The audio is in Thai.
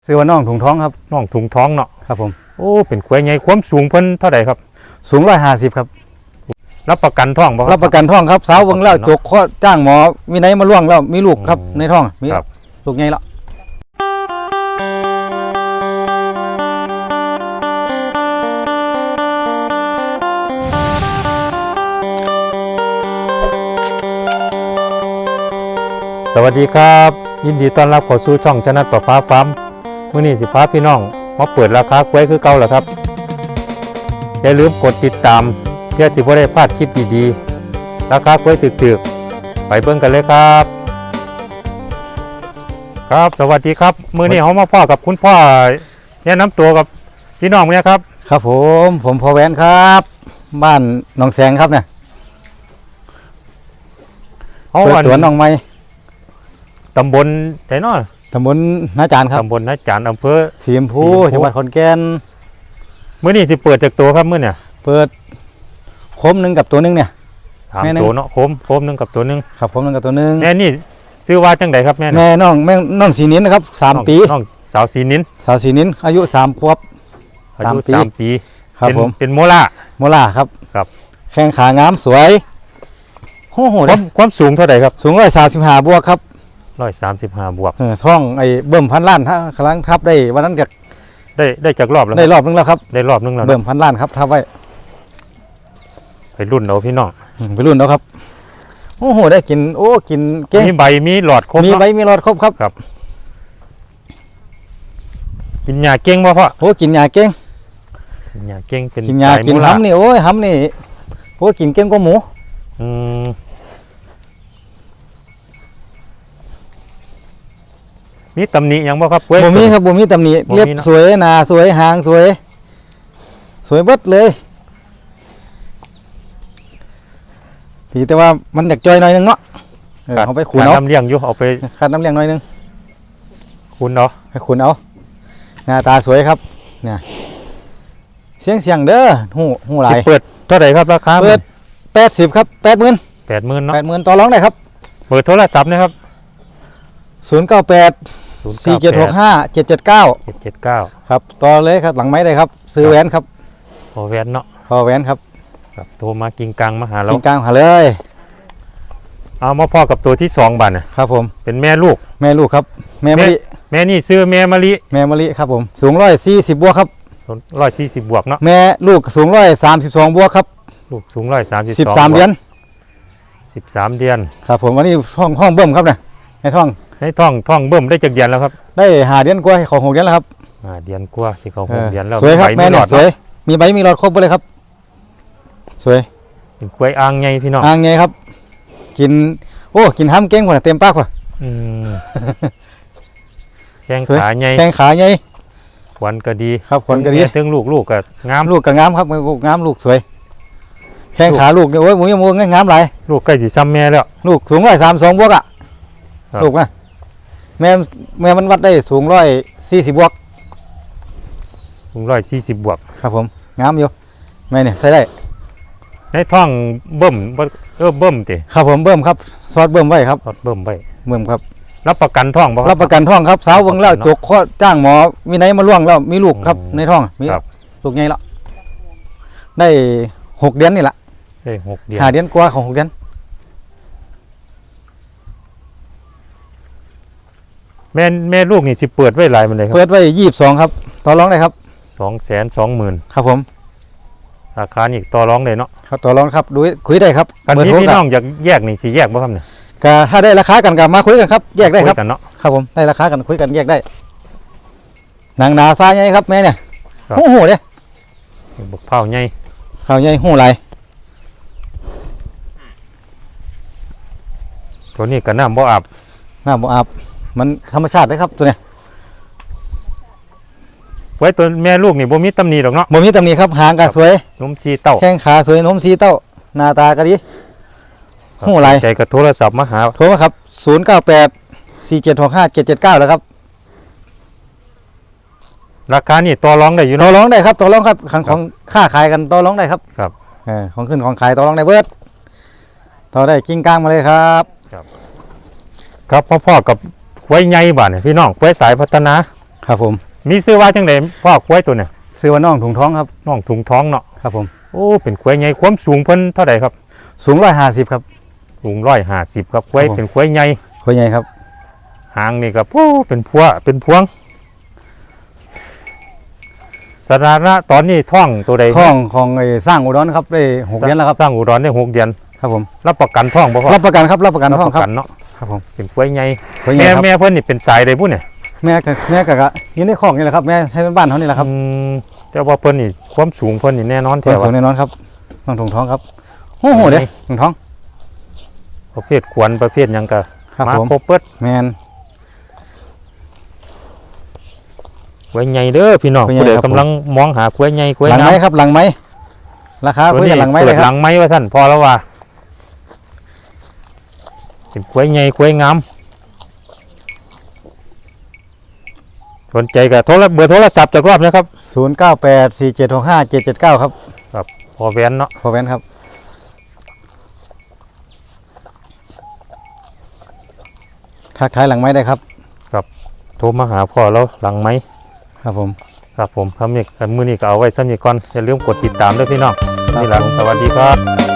ซื้อว่าน้องถุงท้องครับน้องถุงท้องเนาะครับผมโอ้เป็นควายใหญ่ความสูงเพิ่นเท่าไหร่ครับสูง150ครับรับประกันท้องบ่รับประกันท้องครับสาวเบิ่งแล้วจกข้อจ้างหมอมีไหนมาล่วงแล้วมีลูกครับในท้องมีลูกใหญ่แล้วสวัสดีครับยินดีต้อนรับเข้าสู่ช่องชนะต่อฟ้าฟาร์มมื้อนี้สิพาพี่น้องมาเปิดราคากล้วยคือเก่าแล้วครับอย่าลืมกดติดตามเพื่อสิบ่ได้พลาดคลิปดีๆราคากล้วยถึกๆไปเบิ่งกันเลยครับครับสวัสดีครับมื้อนี้เฮามาพ่อกับคุณพ่อแนะนำตัวกับพี่น้องเนี่ยครับครับผมพ่อแหวนครับบ้านหนองแสงครับเนี่ยเปิดตัวน้องใหม่ตำบลไหนเนาะตำบลนาจารครับตำบลนาจารอำเภอสีชมพูจังหวัดขอนแก่นมื้อนี้สิเปิดจากตัวครับมื้อเนี่ยเปิดโคมหนึ่งกับตัวนึงเนี่ยแม่ตัวเนาะโคมหนึ่งกับตัวนึงครับโคมหนึ่งกับตัวนึงแม่นี่ชื่อว่าจังไดครับแม่น้องสีนินนะครับ3 ปีน้องสาวสีนินอายุ3 ขวบ 3 ปีครับผมเป็นโมล่าครับครับแข้งขางามสวยโอ้โหความสูงเท่าไหร่ครับสูง135 บวกครับ 135 บวกท้องไอ้เบิ่มพันล้านครั้งทับได้วันนั้นได้จากรอบแล้วได้รอบนึงแล้วครับได้รอบนึงแล้วเบิ่มพันล้านครับทับไว้ไปรุ่นเอาพี่น้องไปรุ่นเอาครับโอ้โหได้กินกินเก่งมีใบมีหลอดครบมีใบมีหลอดครบครับกินยาเก่งบ่พ่อกินยาเก่งกินยาเก่งเป็นกินยากินห้ำนี่ห้ำนี่กินเก่งกว่าหมูมีตำหนิยังบ่ครับบ่มีครับบ่มีตำหนิเรียบสวยหนาสวยหางสวยเบิดเลยแต่ว่ามันอยากจอยหน่อยนึงเนาะเอาไปขูดเอาน้ำเลี้ยงอยู่เอาไปขัดน้ำเลี้ยงหน่อยนึงขูดเอาให้ขูดเอาหน้าตาสวยครับเนี่ยเสียงเด้อหูหลายเปิดเท่าไหร่ครับราคาเปิด80ครับ80,000 เนาะ 80,000ต่อรองได้ครับเบอร์โทรศัพท์นะครับ 098 476 5779ครับต่อเลยครับหลังไม้ได้ครับซื้อแหวนครับพอแหวนเนาะพอแหวนครับโทรมากิ่งกลางมาหาเรากิ่งกลางหาเลยเอามาพ่อกับตัวที่2บัดครับผมเป็นแม่ลูกครับแม่มะลิแม่นี่ซื้อแม่มะลิครับผมสูง140 บวกครับ 140 บวกเนาะแม่ลูกสูง132 บวกครับลูกสูง132 13 เดือน 13 ครับผมวันนี้ห้องเบิ่มครับเนี่ยในท้องเบิ่มได้จากเดือนแล้วครับได้5 เดือนกว่าของ6 เดือนแล้วครับ 5 เดือนกว่าที่เขา6 เดือนแล้วสวยครับแม่เนี่ยสวยมีใบมีหลอดครบเลยครับสวยเป็นกล้วยอ่างไงพี่น้องอ่างไงครับกินห้ำเก่งกว่าเต็มปากกว่าแข้งขาไงขวัญก็ดีครับขวัญก็ดีถึงลูกก็งามก็งามครับงามลูกสวยแข้งขาลูกเนี่ยหมูยมูงามหลายลูกใกล้สิซ้ำแม่แล้วลูกสูง132 บวกอ่ะลูกนะแม่มันวัดได้สูง140 บวกสูง140 บวกครับผมงามอยู่แม่เนี่ยใส่ได้ในท้องเบิ่มติครับผมเบิ่มครับซอสเบิ่มไว้ครับซอสเบิ่มครับรับประกันท้องบ่รับประกันท้องครับสาวเบิ่งแล้วจกข้อจ้างหมอมีไหนมาล่วงแล้วมีลูกครับในท้องมีลูกใหญ่แล้วได้6 เดือนนี่แหละได้6 เดือน 5 เดือนกว่าของ6 เดือนแม่ลูกนี่สิเปิดไว้หลายมันเลยครับเปิดไว้22ครับต่อรองได้ครับ 220,000 ครับผมราคานี่ต่อรองได้เนาะครับต่อรองครับดูคุยได้ครับกันพี่น้องอยากแยกนี่สิแยกบ่ครับเนี่ยก็ถ้าได้ราคากันก็มาคุยกันครับแยกได้ครับครับผมได้ราคากันคุยกันแยกได้หนังหนาซาใหญ่ครับแม่เนี่ยหูเด้บักเผาใหญ่หูไหลตัวนี้ก็น้ำบ่อาบมันธรรมชาติเลยครับตัวเนี้ยไว้ตัวแม่ลูกนี่บ่มีตำหนิหรอกเนาะบ่มีตำหนิครับหางก็สวยนมสีเต้าแข้งขาสวยนมสีเต้าหน้าตาก็ดีหูไหลใจก็โทรศัพท์มาหาโทรมาครับ098 476 5779แล้วครับราคานี่ต่อรองได้อยู่ต่อรองได้ครับต่อรองครับของค่าขายกันต่อรองได้ครับของขึ้นของขายต่อรองได้เบิดต่อได้กิ้งก้างมาเลยครับพ่อกับไว้ใหญ่บ้านพี่น้องไว้สายพัฒนาครับผมมีซื้อว่าจังไดพ่อควายตัวเนี่ยซื้อว่าน้องถุงท้องครับน้องถุงท้องเนาะครับผมโอ้เป็นควายใหญ่ความสูงเพิ่นเท่าใดครับสูง150ครับสูง150ครับควายครับผมเป็นควายใหญ่คุยใหญ่ครับหางนี่ก็โอ้เป็นพวเป็นพวงสถานะตอนนี้ท้องตัวใดท้องของไอ้สร้างอุดรครับได้6เดือนแล้วครับสร้างอุดรได้6 เดือนครับผมรับประกันท้องบ่พ่อรับประกันครับรับประกันท้องรับปครัระบกันเนาะครับผมเป็นควายใหญ่คุยใหญ่ครับแม่เพิ่นนี่เป็นสายใดบุ่นเนี่ยแม่กะอยู่ในคอกนี่แหละครับแม่ให้บ้านเขานี่แหละครับแต่ว่าเพิ่นนี่ความสูงเพิ่นนี่แน่นอนส่วนแท้สูว่างแน่นอนครับน้องถุงท้องครับโอ้โหเด้ถุงท้องประเภทขวัญประเภทหยังก็ครับมาผมครบเปิดแมนควายใหญ่เด้อพี่น้องควายใหญ่ผู้ใดครับกำลังมองหาควายใหญ่ควายหลังงาไม้มครับหลังไม้ราคาตัวคุยนี้กันหลังไม้เปิเลดยคหรัลับงไม้ว่าซั่นพอแล้วว่าเป็นควายใหญ่ควายงามสนใจก็เบอร์โทรศัพท์จากรอบนะครับ 0984765779ครับพอแวนเนาะพอแวนครับทักทายหลังไม้ได้ครับโทรมาหาพ่อแล้วหลังไม้ครับผมครับผมคำนี้มื้อนี้ก็เอาไว้ซ้ำนี้ก่อนอย่าลืมกดติดตามด้วยพี่น้องนี่ล่ะสวัสดีครับ